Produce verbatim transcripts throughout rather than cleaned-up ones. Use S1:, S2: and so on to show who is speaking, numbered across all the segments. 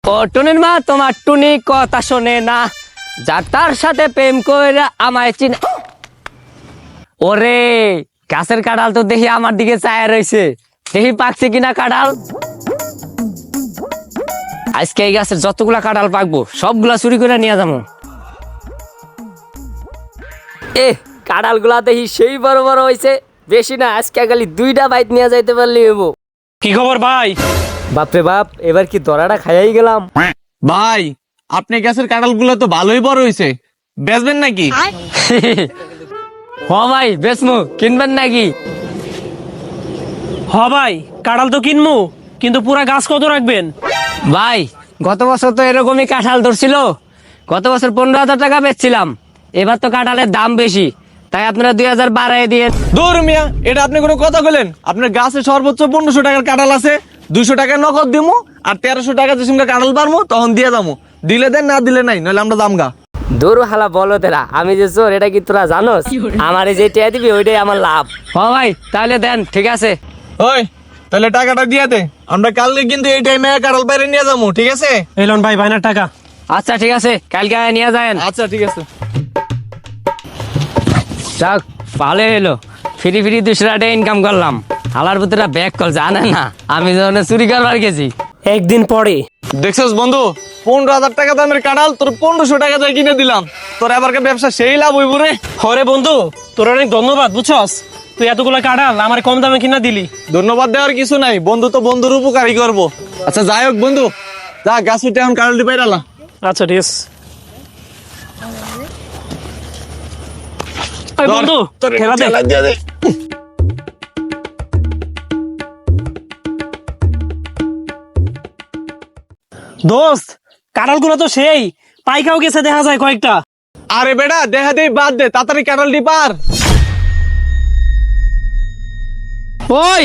S1: ও টুনির মা তোমার টুনি কথা শোনে না, যার তার সাথে প্রেম করে আমায় চিনে। ওরে গাছের কাঁঠাল তো দেখি আমার দিকে চায়া রয়েছে, দেখি পাকছে কিনা কাঁঠাল। আজকে এই গাছের যতগুলা কাঁঠাল পাকবো সবগুলা চুরি করে নিয়ে যাবো। এ কাঁঠাল গুলা দেখি সেই বড় বড় হয়েছে, বেশি না, আজকে খালি দুইটা বাইট নিয়ে যাইতে পারলি হবো।
S2: কি খবর ভাই?
S1: বাপরে বাপ, এবার কি দরাটা খাইয়াই গেলাম।
S3: ভাই আপনি গাছের কাঁঠাল গুলো তো ভালোই বড় হয়েছে, বেচবেন নাকি?
S1: হ ভাই বেসমু, কিনবেন নাকি?
S2: হ ভাই, কাঁঠাল তো কিনবো, কিন্তু পুরা গাছ কত রাখবেন?
S1: ভাই গত বছর তো এরকমই কাঁঠাল ধরছিল, গত বছর পনেরো হাজার টাকা বেচছিলাম, এবার তো কাঁঠালের দাম বেশি, তাই আপনারা দুই হাজার বাড়াই দিয়ে।
S3: দূর মিয়া, এটা আপনি কোনো কথা বলেন? আপনার গাছে সর্বোচ্চ পনেরোশো টাকার কাঁঠাল আছে, দুইশো টাকা নগদ দিমু, আর তেরোশো টাকা যে সঙ্গে কাঁঠাল পারমু তখন দিয়ে যাবো। দিলে দেন, না দিলে নাই, নইলে আমরা দামগা।
S1: দূর হালা বলো তেরা, আমি যে চোর এটা কি তোরা জানোস? আমার যে টিয়া দিবি ওইটাই আমার লাভ। হ ভাই তাহলে দেন, ঠিক আছে।
S3: ওই তাহলে টাকাটা দিয়ে দে, আমরা কালকে কিন্তু এই টাইমে কাঁঠাল বাইরে নিয়ে যাবো, ঠিক আছে?
S2: এলন ভাই বাইনার টাকা।
S1: আচ্ছা ঠিক আছে, কালকে নিয়ে যায়েন।
S3: আচ্ছা ঠিক আছে।
S1: যাক ভালো এলো, ফ্রি ফ্রি দুশো টাকা ইনকাম করলাম। হালার ভিতরে ব্যাগ কল জানে না আমি যখন চুরি করবার গেছি।
S2: একদিন পরে
S3: দেখছস বন্ধু, পনেরো হাজার টাকা দামের কাঁঠাল তোর পনেরোশো টাকা দিয়ে কিনে দিলাম, তোর এবারকার ব্যবসা সেই লাভ হইব রে।
S2: হরে বন্ধু, তোর অনেক ধন্যবাদ, বুঝছস? তুই এতগুলা কাঁঠাল আমার কম দামে কিনা দিলি।
S3: ধন্যবাদ দেওয়ার কিছু নাই, বন্ধু তো বন্ধুর উপকারই করবো। আচ্ছা যাই হোক বন্ধু, যা গাছ উঠে এখন কাঁঠালটি পাইরালা।
S2: আচ্ছা ঠিক আছে। এই বন্ধু খেলা দে। দোস্ত কাঁঠাল গুলো তো সেই পাইকাও গেছে, দেখা যায় কয়েকটা।
S3: আরে বেটা দেখা দেই, বাদ দে, তাড়াতাড়ি কাঁঠালটি পার।
S4: ওই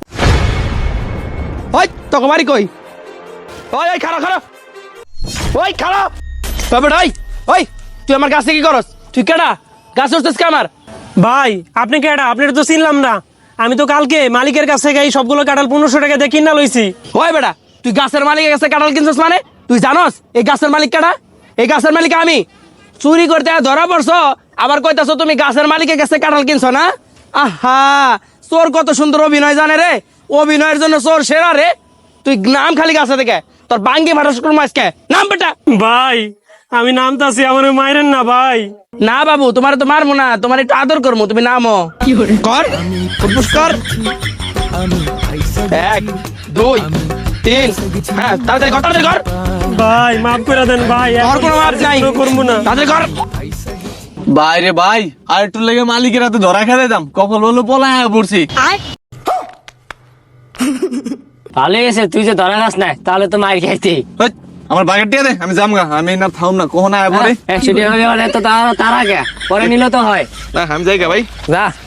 S4: ওই তোকে বাড়ি কই? ওই ওই খারাপ খারাপ ওই খারাপ তবে ওই ওই তুই আমার গাছে কি করস? তুই কেডা? গাছ উঠছিস কে আমার?
S2: ভাই আপনি কেডা? আপনার তো চিনলাম না। আমি তো কালকে মালিকের কাছে গাই সবগুলো কাঁঠাল পনেরোশো টাকা দিয়ে কিনা লইছি।
S4: ওই বেটা, তুই গাছের মালিকের কাছে কাঁঠাল কিনছিস মানে? তুই জানস এই গাছের মালিক কেডা? এই গাছের মালিক আমি। চুরি করতে ধরা পড়ছো, আবার কইতাছো তুমি গাছের মালিকের কাছে কাঁঠাল কিনছো না? আহা, চোর কত সুন্দর অভিনয় জানে রে, অভিনয়ের জন্য চোর সেরা রে। তুই নাম খালি গাছে থেকে, তোর বাঙ্গি ভাটাস করবো আজকে। নাম বেটা।
S2: ভাই আমি নামতাছি, আমার মাইরেন না ভাই।
S4: না বাবু, তোমার তো মারবো না, তোমার একটু আদর করবো, তুমি নামো। কর ফুটফুস কর। এক দুই তিন, হ্যাঁ তাড়াতাড়ি কর, তাড়াতাড়ি কর।
S2: ভাই মাফ করে দেন ভাই,
S4: তোর কোনো মাপ নাই,
S2: করবো না।
S4: তাড়াতাড়ি কর।
S3: ভাই রে ভাই, আর একটু লেগে মালিকের হাতে ধরা খেতে দাম, কখন হলো পলা পড়ছি।
S1: ভালো গেছে তুই যে ধরা গাছ নাই, তাহলে তো মার খাইতি।
S3: হেৎ, আমার বাগের টিয়া দে, আমি যামগা, আমি না থাম না, কখন আয় পরে।
S1: একশো টাকা হবে মানে তো তার আগে পরে নিলে তো হয়।
S3: না আমি যাই গা ভাই।
S1: যা।